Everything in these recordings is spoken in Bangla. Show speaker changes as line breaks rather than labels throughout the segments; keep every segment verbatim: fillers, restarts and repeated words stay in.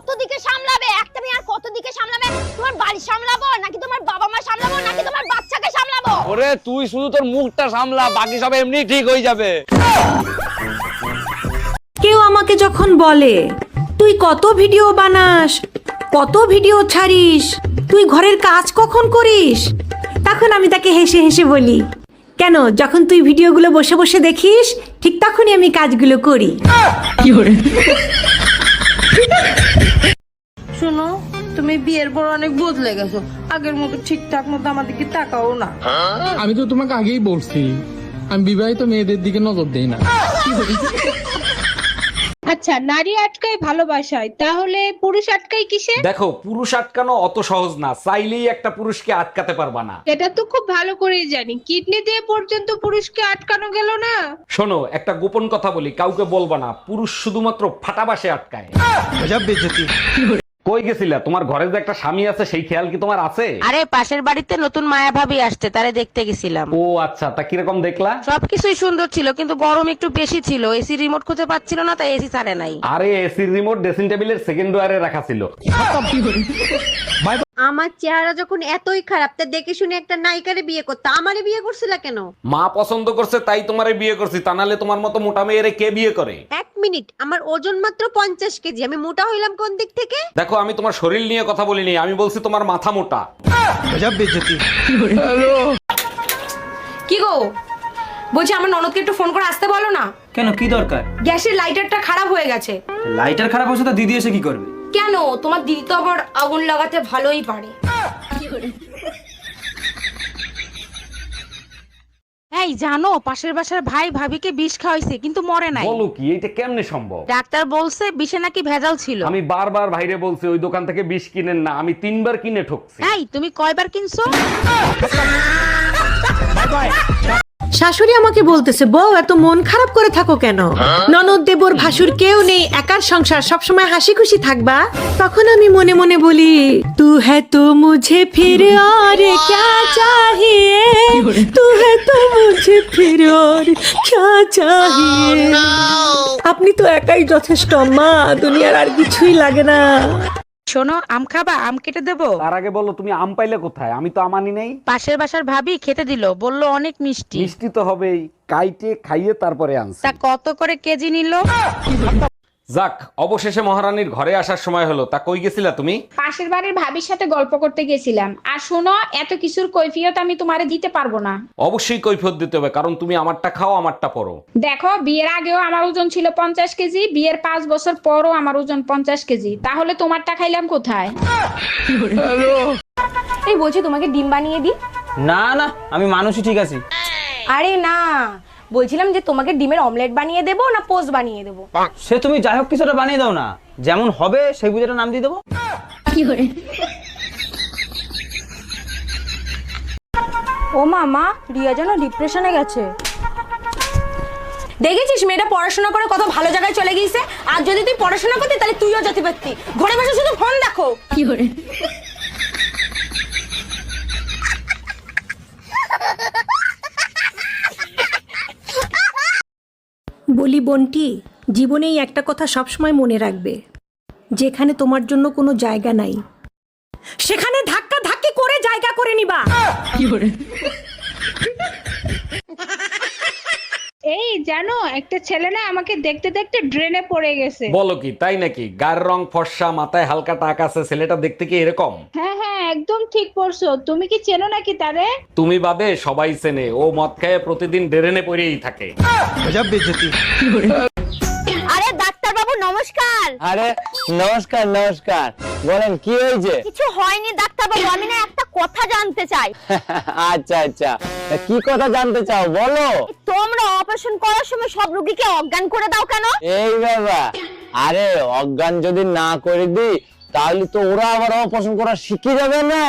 কত দিকে সামলাবে? একটা মেয়ে আর কত দিকে সামলাবে? তোমার বাড়ি সামলাবো নাকি তোমার বাবা মা সামলাবো নাকি তোমার বাচ্চাকে সামলাবো?
ওরে তুই শুধু তোর মুখটা সামলা, বাকি সব এমনি ঠিক হয়ে যাবে।
কেউ আমাকে যখন বলে তুই কত ভিডিও বানাস, কত ভিডিও ছাড়িস, তুই ঘরের কাজ কখন করিস, তখন আমি তাকে হেসে হেসে বলি, কেন যখন তুই ভিডিওগুলো বসে বসে দেখিস ঠিক তখনই আমি কাজগুলো করি।
শোনো, তুমি বিয়ের পর অনেক বদলে গেছো, আগের মতো ঠিকঠাক মতো আমাদেরকে তাকাও না।
আমি তো তোমাকে আগেই বলছি আমি বিবাহিত মেয়েদের দিকে নজর দেই না।
আচ্ছা, নারী আটকায় ভালোবাসায়, তাহলে পুরুষ আটকায় কিসে?
দেখো, পুরুষ আটকানো অত সহজ না, চাইলেই একটা পুরুষকে আটকাতে পারবা না।
এটা তো খুব ভালো করেই জানি, কিডনি দিয়ে পর্যন্ত পুরুষকে আটকানো গেল না।
শোনো, একটা গোপন কথা বলি, কাউকে বলবা না, পুরুষ শুধুমাত্র ফাটাবাসে আটকায়। কই গেছিলা? তোমার ঘরে যে একটা স্বামী আছে সেই খেয়াল কি তোমার আছে?
আরে পাশের বাড়িতে নতুন মায়া ভাবি আসছে, তারে দেখতে গেছিলাম।
ও আচ্ছা, তা কিরকম দেখলা?
সবকিছুই সুন্দর ছিল, কিন্তু গরম একটু বেশি ছিল, এসি রিমোট খুঁজে পাচ্ছিল না, তাই এসি ছাড়ে নাই।
আরে এসির রিমোট ড্রেসিং টেবিলের সেকেন্ড ড্রয়ারে রাখা ছিল।
আমার চেহারা যখন এতই খারাপ, তা দেখে শুনে একটা নায়িকারে বিয়ে করতে আমারে বিয়ে করছিলা কেন?
মা পছন্দ করছে তাই তোমারে বিয়ে করছি, তা নাহলে তোমার মতো মোটা মেয়েরে কে বিয়ে করে?
এক মিনিট, আমার ওজন মাত্র পঞ্চাশ কেজি, আমি মোটা হইলাম কোন দিক থেকে?
দেখো, আমি তোমার শরীর নিয়ে কথা বলিনি, আমি বলছি তোমার মাথা মোটা।
কি গো, বলছি আমার ননদকে একটু ফোন করে আসতে বলো না।
কেন, কি দরকার?
গ্যাসের লাইটারটা খারাপ হয়ে গেছে।
লাইটার খারাপ হচ্ছে তো দিদি এসে কি করবে?
কেন, তোমার দিদি তো আবার আগুন লাগাতে ভালোই পারে।
এই জানো, পাশের বাসার ভাই ভাবিকে বিষ খাওয়াইছে কিন্তু মরে নাই।
বলো কি, এটা কেমনে সম্ভব?
ডাক্তার বলছে বিষে নাকি ভেজাল ছিল।
আমি বারবার ভাইরে বলছি ওই দোকান থেকে বিষ কিনেন না, আমি তিনবার কিনে ঠকছি।
এই তুমি কয়বার কিনছো?
শাশুড়ি আমাকে বলতেছে, বউ এত মন খারাপ করে থাকো কেন, ননদ দেবর ভাসুর কেউ নেই, একার সংসার, সবসময় হাসি খুশি থাকবা। তখন আমি মনে মনে বলি, তু হ্যাঁ তো মুঝে ফির আর ক্যা চাহিয়ে, তু হ্যাঁ তো মুঝে ফির আর ক্যা চাহিয়ে। আপনি তো একাই যথেষ্ট মা, দুনিয়ার আর কিছুই লাগে না।
শোনো, আম খাবা? আম কেটে দেবো?
তার আগে বলো তুমি আম পাইলে কোথায়? আমি তো আমানি নেই।
পাশের বাসার ভাবি খেতে দিল, বললো অনেক মিষ্টি।
মিষ্টি তো হবেই, কাইটে খাইয়ে তারপরে আনছি।
তা কত করে কেজি নিল?
যাক, অবশেষে মহারানীর ঘরে আসার সময় হলো। তা কই গেছিলা তুমি?
পাশের বাড়ির ভাবির সাথে গল্প করতে গেছিলাম। আর শোনো, এত কিছুর কৈফিয়ত আমি তোমারে দিতে পারবো না।
অবশ্যই কৈফিয়ত দিতে হবে, কারণ তুমি আমারটা খাও আমারটা পরো।
দেখো, বিয়ের আগেও আমার ওজন ছিল পঞ্চাশ কেজি, বিয়ের পাঁচ বছর পরও আমার ওজন পঞ্চাশ কেজি, তাহলে তোমারটা খাইলাম কোথায়?
এই বলছি তোমাকে ডিম বানিয়ে দিই।
না না, আমি মানুষই ঠিক আছি।
আরে না, বলছিলাম যে তোমাকে ডিমের অমলেট বানিয়ে দেবো না পোস্ট বানিয়ে দেবো?
সে তুমি যাই হোক কিছুটা বানিয়ে দাও না, যেমন হবে সেই বুঝেটা নাম দিয়ে দেবো।
ও মামা, রিয়া যেন ডিপ্রেশনে গেছে। দেখেছিস মেয়েটা পড়াশোনা করে কত ভালো জায়গায় চলে গিয়েছে, আর যদি তুই পড়াশোনা করতি তাহলে তুইও যেতে পারতি, ঘরে বসে শুধু ফোন দেখো। কি করে
বলি বোনটি, জীবনেই একটা কথা সবসময় মনে রাখবে, যেখানে তোমার জন্য কোনো জায়গা নাই সেখানে ধাক্কা ধাক্কি করে জায়গা করে নিবা।
এই জানো, একটা ছেলে না আমাকে দেখতে দেখতে ড্রেনে পড়ে গেছে।
বলো কি, তাই নাকি? গায়ের রং ফর্সা, মাথায় হালকা টাক আছে, ছেলেটা দেখতে কি এরকম?
হ্যাঁ হ্যাঁ, একদম ঠিক পড়ছো। তুমি কি চেনো নাকি তারে?
তুমি বাদে সবাই চেনে, ও মদ খায় প্রতিদিন ড্রেনে পড়েই থাকে।
আরে ডাক্তার বাবু নমস্কার।
আরে নমস্কার নমস্কার, বলেন কি হয়েছে?
কিছু হয়নি ডাক্তার বাবু, আমি না একটা কথা জানতে চাই।
আচ্ছা আচ্ছা, তা কি কথা জানতে চাও বলো।
তোমরা অপারেশন করার সময় সব রোগীকে অজ্ঞান করে দাও কেন?
এই বাবা, আরে অজ্ঞান যদি না করে দিই তাহলে তো ওরা আবার অপারেশন করা শিখে যাবে না।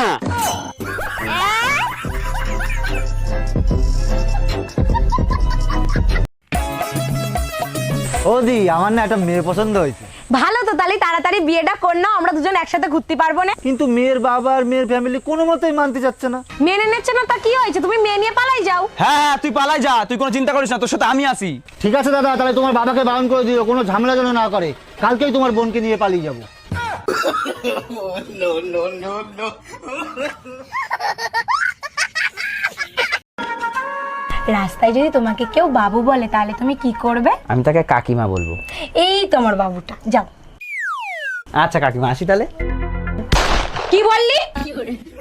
ওদি, আমার না একটা মেয়ে পছন্দ হয়েছে।
ভালো তো, তাহলে তাড়াতাড়ি বিয়েটা কর নাও, আমরা দুজন একসাথে ঘুরতে পারবো না।
কিন্তু মেয়ের বাবা আর মেয়ের ফ্যামিলি কোনো মতেই মানতে চাচ্ছে না।
মেনে নিচ্ছে না, তা কি হয়েছে? তুমি মেয়ে নিয়ে পালাই যাও।
হ্যাঁ হ্যাঁ, তুই পালাই যা, তুই কোনো চিন্তা করিস না, তোর সাথে আমি আসি।
ঠিক আছে দাদা, তাহলে তোমার বাবাকে বারণ করে দিও কোনো ঝামেলা যেন না করে, কালকেই তোমার বোনকে নিয়ে পালিয়ে যাবো।
রাস্তায় যদি তোমাকে কেউ বাবু বলে তাহলে তুমি কি করবে?
আমি তাকে কাকিমা বলবো।
এই তোমার বাবুটা, যাও।
আচ্ছা কাকিমা, আসি তাহলে।
কি বললি?